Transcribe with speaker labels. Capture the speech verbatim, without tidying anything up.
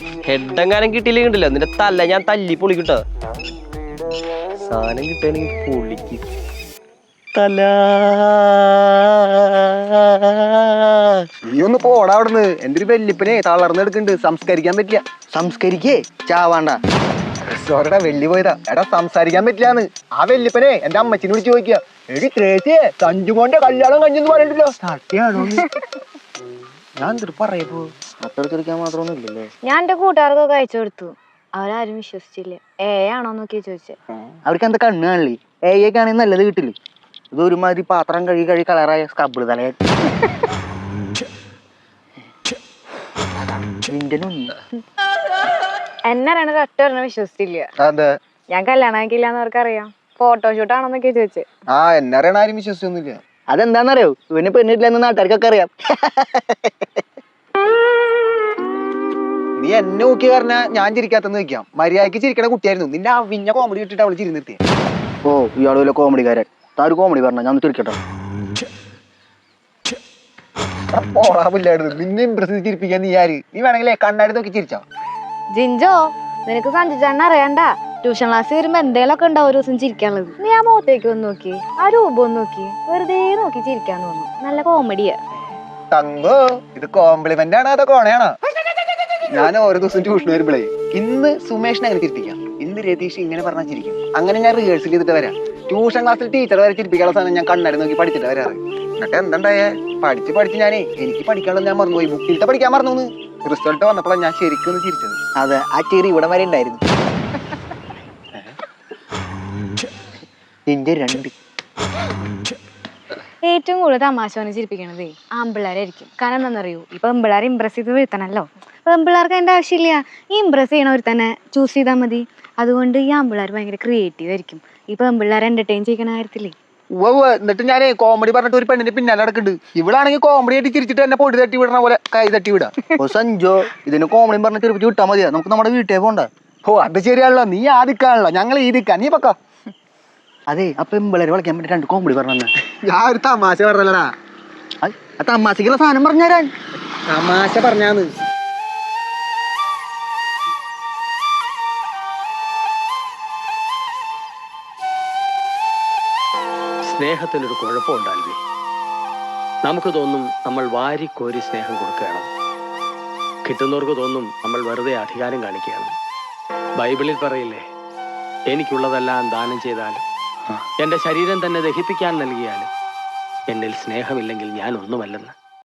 Speaker 1: ഹെഡെങ്ങാനും കിട്ടിയില്ലെങ്കിൽ കിട്ടില്ല നിന്റെ തല്ല ഞാൻ തല്ലി പൊളിക്കിട്ടോ. സാധനം കിട്ടുകയാണെങ്കിൽ പൊളിക്ക് തല.
Speaker 2: നീ ഒന്ന് പോടാ അവിടുന്ന്. എന്റെ ഒരു വെല്ലിപ്പനെ തളർന്നെടുക്കുന്നുണ്ട്, സംസ്കരിക്കാൻ പറ്റില്ല.
Speaker 3: സംസ്കരിക്കേ ചാവാണ്ട.
Speaker 2: സോറിടാ വെള്ളി പോയതാ. എടാ സംസാരിക്കാൻ പറ്റില്ലാന്ന്. ആ വെല്ലിപ്പനെ എന്റെ അമ്മച്ചിനെ വിളിച്ച് ചോദിക്കുക, എടി ത്രേസ്യേ സഞ്ജുമോന്റെ കല്യാണം കഴിഞ്ഞെന്ന് പറയണ്ടല്ലോ, സത്യാണോ? ഞാൻ എന്തിട്ട് പറയപ്പോ
Speaker 3: അത്രത്തിരിക്കാൻ മാത്രമൊന്നും ഇല്ലല്ലേ.
Speaker 4: ഞാൻ എന്റെ കൂട്ടുകാർക്കൊക്കെ അയച്ചു കൊടുത്തു, അവരാരും വിശ്വസിച്ചില്ല. ഏ ആണോ നോക്കിയാ ചോദിച്ചേ.
Speaker 3: അവർക്ക് എന്താ കണ്ണ് കാണില്ലേ? ഏയൊക്കെ ആണെങ്കിൽ നല്ലത് കിട്ടില്ല. ഇത് ഒരുമാതിരി പാത്രം കഴുകി കഴുകി കളറായ സ്കബിള് തലയാ.
Speaker 4: എന്നെ അറിയണ ഒറ്റ പറഞ്ഞ വിശ്വസിച്ചില്ല.
Speaker 2: അതെ
Speaker 4: ഞാൻ കല്യാണം ആക്കിയില്ലാന്ന് അവർക്കറിയാം. ഫോട്ടോഷൂട്ട് ആണോന്നൊക്കെ ചോദിച്ചേ.
Speaker 2: ആ എന്നെ അറിയണ ആരും വിശ്വസിച്ചൊന്നുമില്ല.
Speaker 3: അതെന്താന്നറിയോ? ഇവന് പെണ്ണിട്ടില്ലെന്ന് നാട്ടുകാർക്കൊക്കെ അറിയാം.
Speaker 2: നീ എന്നെ നോക്കി പറഞ്ഞാ ഞാൻ ചിരിക്കാത്തെന്ന് വെക്കാം. മര്യാദക്ക് ചിരിക്കണ കുട്ടിയായിരുന്നു. നിന്റെ അവിഞ്ഞ കോമഡി ഇട്ടിട്ട് അവള് ചിരി നിർത്തിയ.
Speaker 3: ഓ ഇയാള് വല്ല കോമഡിക്കാരൻ. താ ഒരു കോമഡി പറഞ്ഞ ഞാൻ തിരിക്കട്ടെ.
Speaker 2: പോളാവില്ലായിരുന്നു. നിന്നെ ഇമ്പ്രസ് ചിരിപ്പിക്കാൻ നീ ആര്? നീ വേണമെങ്കിലേ കണ്ണാടി നോക്കി ചിരിച്ചോ.
Speaker 4: ജിഞ്ചോ നിനക്ക് സഞ്ജിച്ചേട്ടനെ അറിയണ്ട. ട്യൂഷൻ ക്ലാസ് വരുമ്പോ എന്തേലൊക്കെ ഉണ്ടാവും ഒരു ദിവസം ചിരിക്കാനുള്ളത്. നീ ആ മുഖത്തേക്ക് ഒന്ന് നോക്കി, ആ രൂപം ഒന്ന് നോക്കി, വെറുതെ നോക്കി ചിരിക്കാൻ തോന്നും. നല്ല കോമഡിയാ.
Speaker 2: തങ്കോ ഇത് കോംപ്ലിമെന്റ് ആണോ അതോ കോണയാണോ? ഞാൻ ഓരോ ദിവസം ട്യൂഷൻ വരുമ്പോഴേ ഇന്ന് സുമേഷിനെ അങ്ങനെ ചിരിപ്പിക്കാം, ഇന്ന് രതീഷ് ഇങ്ങനെ പറഞ്ഞാൽ ചിരിക്കും. അങ്ങനെ ഞാൻ റിഹേഴ്സൽ ചെയ്തിട്ട് വരാം. ട്യൂഷൻ ക്ലാസ്സിൽ ടീച്ചർ വരെ ചിരിപ്പിക്കാനുള്ള സാധനം ഞാൻ കണ്ണാടി നോക്കി പഠിച്ചിട്ട് വരാറ്. എന്നിട്ട് എന്തുണ്ടായേ, പഠിച്ച് പഠിച്ച് ഞാനേ എനിക്ക് പഠിക്കാനുള്ളത് ഞാൻ മറന്നുപോയി. ബുക്കിലത്തെ പഠിക്കാൻ മറന്നു. റിസൾട്ട് വന്നപ്പോഴാണ് ഞാൻ ശരിക്കും ചിരിച്ചത്.
Speaker 3: അതെ ആ ചെറി ഇവിടെ വരെ ഉണ്ടായിരുന്നു. എന്റെ രണ്ട്
Speaker 4: ഏറ്റവും കൂടുതൽ തമാശ പറഞ്ഞ് ചിരിപ്പിക്കണതേ ആമ്പിള്ളേരായിരിക്കും. കാരണം എന്താണെന്നറിയൂ, ഇപ്പൊ പെമ്പിള്ളേരെ ഇമ്പ്രസ് ചെയ്ത് വീഴ്ത്തണല്ലോ. പെമ്പിള്ളേർക്ക് അതിന്റെ ആവശ്യമില്ല. ഈ ഇമ്പ്രസ് ചെയ്യണവർ തന്നെ ചൂസ് ചെയ്താൽ മതി. അതുകൊണ്ട് ഈ ആമ്പിള്ളേർ ഭയങ്കര ക്രിയേറ്റീവ് ആയിരിക്കും. ഈ പെമ്പിള്ളേരെ എന്റർടൈൻ ചെയ്യണ കാര്യത്തില്ലേ.
Speaker 2: എന്നിട്ട് ഞാൻ കോമഡി പറഞ്ഞിട്ട് ഒരു പെണ്ണിന്റെ പിന്നാലെ നടക്കുന്നുണ്ട്. ഇവളാണെങ്കിൽ കോമഡി ആയിട്ട് ചിരിച്ചിട്ട് എന്നെ പൊടി തട്ടി വിടണ പോലെ കൈ തട്ടി വിടാം.
Speaker 3: ഓ സഞ്ജോ ഇതിന് കോമഡി പറഞ്ഞ ചെറുപ്പിച്ച് വിട്ടാ മതിയാ. നമുക്ക് നമ്മുടെ വീട്ടിൽ പോണ്ട.
Speaker 2: ഓ അത് ശരിയാണല്ലോ, നീ ആദിക്കാണല്ലോ, ഞങ്ങൾ ഈദിക്കാ, നീ പക്ക.
Speaker 3: അതെ അപ്പൊ പിള്ളേരെ വിളിക്കാൻ വേണ്ടി രണ്ട് കോമഡി പറഞ്ഞ.
Speaker 2: ഞാൻ ഒരു തമാശ പറഞ്ഞല്ലടാ.
Speaker 3: ആ തമാശക്കുള്ള സാധനം പറഞ്ഞുതരാൻ.
Speaker 2: തമാശ പറഞ്ഞാന്ന്.
Speaker 5: സ്നേഹത്തിനൊരു കുഴപ്പമുണ്ടാവില്ലേ? നമുക്ക് തോന്നും നമ്മൾ വാരിക്കോരി സ്നേഹം കൊടുക്കുകയാണ്. കിട്ടുന്നവർക്ക് തോന്നും നമ്മൾ വെറുതെ അധികാരം കാണിക്കുകയാണ്. ബൈബിളിൽ പറയില്ലേ, എനിക്കുള്ളതെല്ലാം ദാനം ചെയ്താലും എൻ്റെ ശരീരം തന്നെ ദഹിപ്പിക്കാൻ നൽകിയാലും എന്നിൽ സ്നേഹമില്ലെങ്കിൽ ഞാൻ ഒന്നുമല്ലെന്ന്.